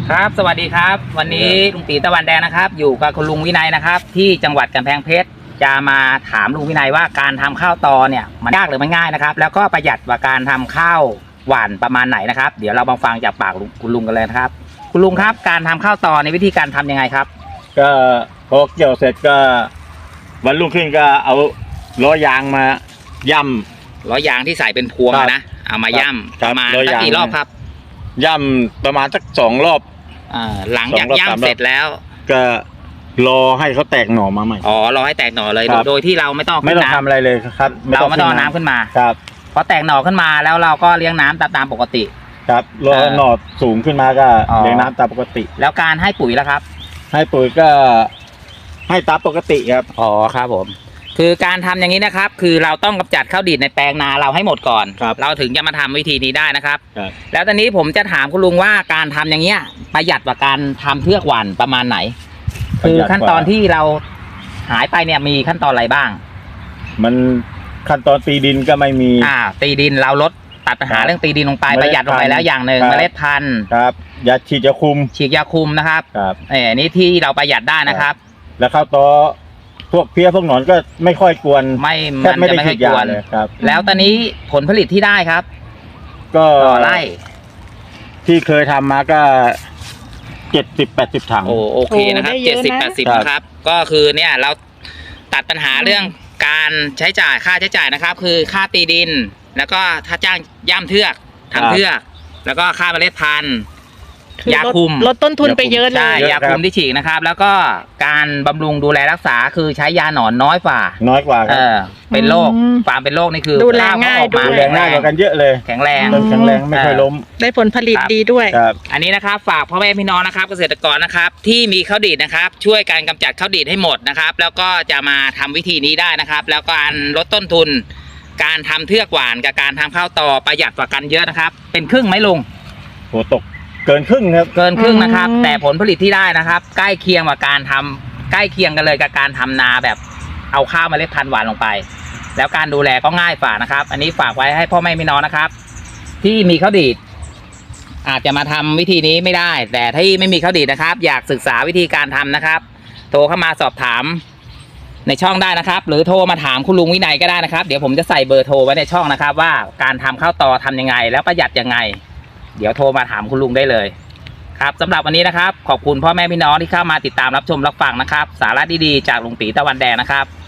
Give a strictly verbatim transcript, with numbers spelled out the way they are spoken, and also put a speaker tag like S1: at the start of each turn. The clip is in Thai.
S1: ครับสวัสดีครับวันนี้ลุงตีตะวันแดงนะครับอยู่กับคุณลุงวินัยนะครับที่จังหวัดกำแพงเพชรจะมาถามลุงวินัยว่าการทำข้าวตอเนี่ยมันยากหรือมันง่ายนะครับแล้วก็ประหยัดกว่าการทำข้าวหวานประมาณไหนนะครับเดี๋ยวเรามาฟังจากปากคุณลุงกันเลยนะครับคุณลุงครับการทำข้าวตอในวิธีการทำยังไงครับ
S2: ก็พอเกี่ยวเสร็จก็วันรุ่งขึ้นก็เอาล้อยางมาย่ำ
S1: ล้อยางที่ใส่เป็นพวงนะเอามาย่ำประมาณสักกี่รอบครับ
S2: ย่ำประมาณสักสองรอบ
S1: หลังจากย่ำเสร็จแล้ว
S2: ก็รอให้เขาแตกหน่อมาใหม่
S1: อ๋อรอให้แตกหน่อเลยโดยที่เราไม่ต้อง
S2: ไม่ต้องทำอะไรเลยครับ
S1: เราไม่ต้องน้ำขึ้นมา
S2: ครับ
S1: พอแตกหน่อขึ้นมาแล้วเราก็เลี้ยงน้ำตามตามปกติ
S2: ครับรอหน่อสูงขึ้นมาก็เลี้ยงน้ำตามปกติ
S1: แล้วการให้ปุ๋ยแล้วครับ
S2: ให้ปุ๋ยก็ให้ตามปกติครับ
S1: อ๋อครับผมคือการทำอย่างนี้นะครับคือเราต้องกำจัดข้าวดีดในแปลงนาเราให้หมดก่อนเราถึงจะมาทำวิธีนี้ได้นะครับแล้วตอนนี้ผมจะถามคุณลุงว่าการทำอย่างเงี้ยประหยัดกว่าการทำเทือกหว่านประมาณไหนคือขั้นตอนที่เราหายไปเนี่ยมีขั้นตอนอะไรบ้าง
S2: มันขั้นตอนตีดินก็ไม่มี
S1: อ่าตีดินเราลดตัดปัญหาเรื่องตีดินลงไปประหยัดลงไปแล้วอย่างหนึ่งเมล็ดพันธุ์
S2: ครับยาฉีดยาคุม
S1: ฉีดยาคุมนะครับ
S2: ครับ
S1: เออนี่ที่เราประหยัดได้นะครับ
S2: แล้วข้าวตอพวกเพี้ยพวกหนอนก็ไม่ค่อยกวน
S1: ไม่มันจะไม่ค่อยกวน
S2: ครับ
S1: แล้วตอนนี้ผลผลิตที่ได้ครับ
S2: ก็
S1: ไร่
S2: ที่เคยทำมาก็เจ็ดสิบแปดสิบถัง
S1: โอโอเคนะครับเจ็ดสิบแปดสิบนะครับก็คือเนี่ยเราตัดปัญหาเรื่องการใช้จ่ายค่าใช้จ่ายนะครับคือค่าตีดินแล้วก็ถ้าจ้างย่ำเทือกทำเทือกแล้วก็ค่าเมล็ดพันธุ์ยาคุม
S3: ลดต้นทุนไปเยอะเลย
S1: ใช่ยาคุมที่ฉีกนะครับแล้วก็การบำรุงดูแลรักษาคือใช้ยาหนอนน้อยกว่า
S2: น้อยกว่า
S1: เออเป็นโรคฟาร์มเป็นโรคนี่คือ
S3: ดูแลง่าย
S2: ดูแลง่ายกว่ากันเยอะเลย
S1: แข็งแรง
S2: แข็งแรงไม่ค่อยล้ม
S3: ได้ผลผลิตดีด้วย
S1: อันนี้นะครับฝากพ่อแม่พี่น้องนะครับเกษตรกรนะครับที่มีข้าวดีดนะครับช่วยการกำจัดข้าวดีดให้หมดนะครับแล้วก็จะมาทำวิธีนี้ได้นะครับแล้วการลดต้นทุนการทำเทือกหวานกับการทำข้าวตอประหยัดกว่ากันเยอะนะครับเป็นครึ่งไหมลุง
S2: โหตกเกินครึ่งครับ
S1: เกินครึ่งนะครับแต่ผลผลิตที่ได้นะครับใกล้เคียงกับการทำใกล้เคียงกันเลยกับการทำนาแบบเอาข้าวเมล็ดพันธุ์หวานลงไปแล้วการดูแลก็ง่ายฝ่านะครับอันนี้ฝากไว้ให้พ่อแม่พี่น้องนะครับที่มีข้าวดีดอาจจะมาทำวิธีนี้ไม่ได้แต่ที่ไม่มีข้าวดีดนะครับอยากศึกษาวิธีการทำนะครับโทรเข้ามาสอบถามในช่องได้นะครับหรือโทรมาถามคุณลุงวินัยก็ได้นะครับเดี๋ยวผมจะใส่เบอร์โทรไว้ในช่องนะครับว่าการทำข้าวตอทำยังไงแล้วประหยัดยังไงเดี๋ยวโทรมาถามคุณลุงได้เลยครับสำหรับวันนี้นะครับขอบคุณพ่อแม่พี่น้องที่เข้ามาติดตามรับชมรับฟังนะครับสาระดีๆจากลุงตีตะวันแดงนะครับ